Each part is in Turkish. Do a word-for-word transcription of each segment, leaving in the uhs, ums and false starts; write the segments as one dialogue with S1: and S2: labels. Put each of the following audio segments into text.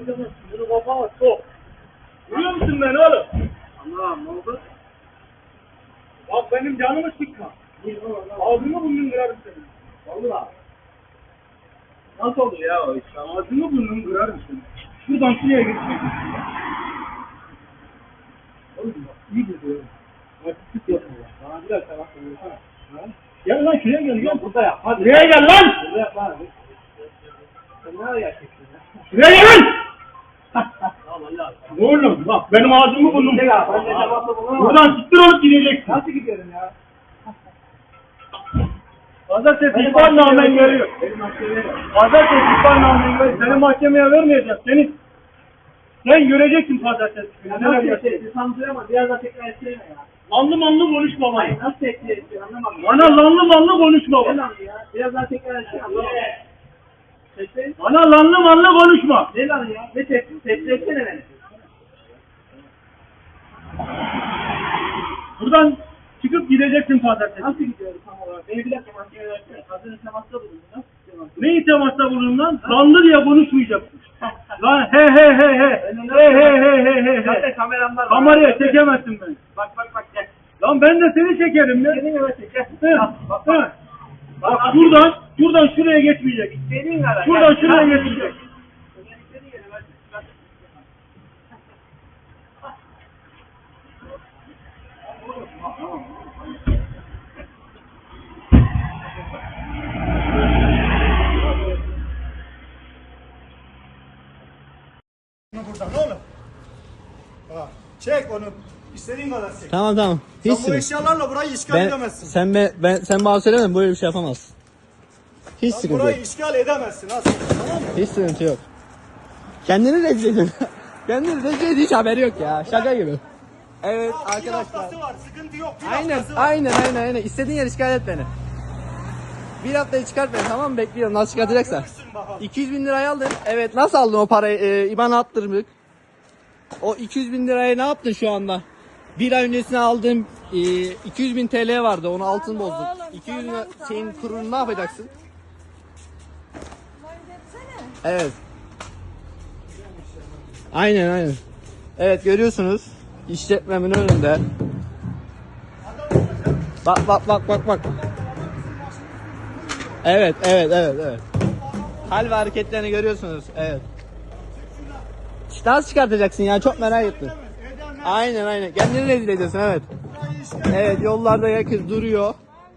S1: canım. Bunu kafama sok. Duyuyor musun beni oğlum?
S2: Allah'ım ne oldu?
S1: Bak benim canımı sıkma. Ağzını burnunu kırarım senin.
S2: Vallahi. Nasıl oldu ya o iş?
S1: Ağzını burnunu kırarım senin. Şuradan şuraya geçmek. Oğlum bak iyi gidiyor. Artistik yapma ya. Bana biraz daha bakma. Gel lan şuraya gel. Gel burada yap. Hadi. Şuraya gel lan.
S2: Burada yap lan. Sen ne yapıyorsun?
S1: Şuraya gel lan.
S2: Tamam Allah.
S1: Oğlum bak benim ağzımı burnum.
S2: Ben de cevapla bulunamam.
S1: Buradan siktir olup gideceksin.
S2: Nasıl gidiyorum ya?
S1: Pazartesi ihbarnamen geliyor.
S2: Benim mahkemeye bak.
S1: Pazartesi ihbarnamen geliyor. Seni mahkemeye vermeyeceğiz. Seni sen göreceksin pazartesi.
S2: Ya nasıl etkileşti? Sanmıyorum ama biraz daha tekrar etsene ya.
S1: Lanlı manlı konuşma bana.
S2: Hayır nasıl etkileşti anlamadım.
S1: Bana lanlı manlı konuşma
S2: Ne
S1: bana.
S2: lan ya? Biraz daha tekrar etsene anlamadım. Sesleyin.
S1: Bana lanlı manlı konuşma.
S2: Ne lan ya? Ne tepki? Tepki etsene beni.
S1: Buradan çıkıp gideceksin pazartesi.
S2: Nasıl gidiyorum tam olarak? Beni bir dakika mahkemeye versene. Hazır temasta bulundum. Nasıl gidiyorum?
S1: Ne itematla bulun lan? Lanlı diye konuşmayacaksın. Lan he he he he. He he he he he
S2: Zaten
S1: he.
S2: kameram var.
S1: Kameraya çekemezsin beni.
S2: Bak bak bak gel.
S1: Lan ben de seni çekerim ya.
S2: Senin eve çek gel.
S1: He,
S2: Bak bak
S1: he.
S2: bak.
S1: Bak şuradan, şuradan şuraya geçmeyecek.
S2: Senin ara.
S1: Şuradan
S2: Gel.
S1: şuraya
S2: Gel.
S1: geçmeyecek.
S2: Senin yere ver. Bak.
S3: Buradan oğlum. Ha, çek onu. İstediğin kadar çek.
S4: Tamam tamam.
S3: Sen bu
S4: Hiç sıkıntı.
S3: eşyalarla burayı işgal
S4: Ben,
S3: edemezsin.
S4: sen be, ben sen bana söyleme böyle bir şey yapamazsın. Hiç
S3: Sen
S4: sıkıntı yok.
S3: burayı işgal edemezsin aslında. Tamam mı?
S4: Hiç sıkıntı yok. Kendini rezil ediyorsun. Kendini rezil ediyor, hiç haberi yok ya. Şaka gibi. Evet
S3: Ya, Bir
S4: arkadaşlar.
S3: haftası var. Sıkıntı yok. Bir
S4: Aynen
S3: haftası var.
S4: aynen aynen aynen. İstediğin yer işgal et beni. Bir haftayı çıkart beni, tamam mı? Bekliyorum nasıl çıkartacaksan.
S3: Görürsün bakalım.
S4: iki yüz bin lirayı aldın. Evet, nasıl aldın o parayı? Ee, İBAN'a attırdık. O iki yüz bin lirayı ne yaptın şu anda? Bir ay öncesine aldığım e, iki yüz bin T L vardı, onu altın bozduk. iki yüz bin şeyin kurunu ne yapacaksın? Evet. Aynen aynen. Evet, görüyorsunuz. İşletmemin önünde. Bak bak bak bak bak. Evet evet evet evet. Hal ve hareketlerini görüyorsunuz. Evet. İşte nasıl çıkartacaksın ya, çok merak ettim. Aynen aynen. Kendini rezil ediyorsun, evet. Evet, yollarda yakız duruyor.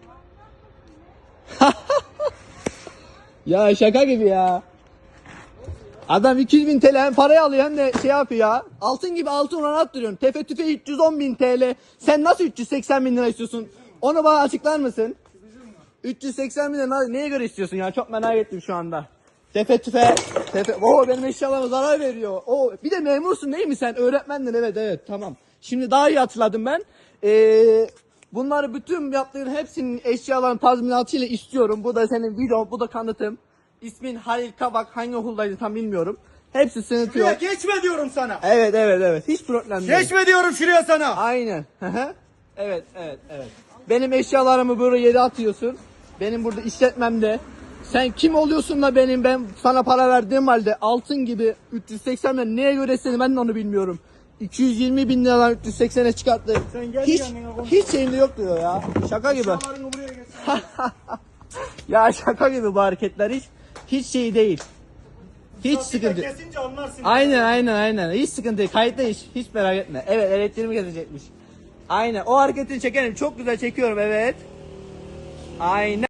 S4: Ya şaka gibi ya. Adam iki yüz bin T L hem parayı alıyor hem de şey yapıyor ya. Altın gibi altın oran attırıyorsun. Tefe tüfe üç yüz on bin T L. Sen nasıl üç yüz seksen bin lira istiyorsun? Onu bana açıklar mısın? üç yüz seksen bin lira neye göre istiyorsun ya? Çok merak ettim şu anda. Tefe tüfe. Tefe. Oo, benim eşyalarıma zarar veriyor. Oo, bir de memursun değil mi sen? Öğretmendin, evet evet tamam. Şimdi daha iyi hatırladım ben. Ee, bunları bütün yaptığın hepsinin eşyaların tazminatıyla istiyorum. Bu da senin videon, bu da kanıtım. İsmin Halil Kabak, hangi okuldaydın tam bilmiyorum. Hepsi sıkıntı
S3: Şuraya
S4: yok.
S3: geçme diyorum sana.
S4: Evet evet evet, hiç problem değil.
S3: Geçme diyorum şuraya sana.
S4: Aynen. Hı hı. Evet evet evet. Benim eşyalarımı böyle yere atıyorsun. Benim burada işletmemde. Sen kim oluyorsun da benim, ben sana para verdiğim halde altın gibi üç yüz seksen bin, neye göre seni ben de onu bilmiyorum. iki yüz yirmi bin liradan üç yüz seksene çıkarttı.
S3: Sen gel
S4: Hiç
S3: yanına konuş.
S4: hiç şeyinde yok diyor ya. Şaka gibi.
S3: Eşyalarını buraya getir.
S4: Ya şaka gibi bu hareketler, hiç hiç şey değil. Hiç sıkıntı.
S3: Kesince anlarsın.
S4: Aynen aynen aynen. Hiç sıkıntı değil. Kayıtta hiç. Hiç merak etme. Evet, elektriğimi kesecekmiş. Aynen. O hareketini çekerim. Çok güzel çekiyorum, evet. Aynen.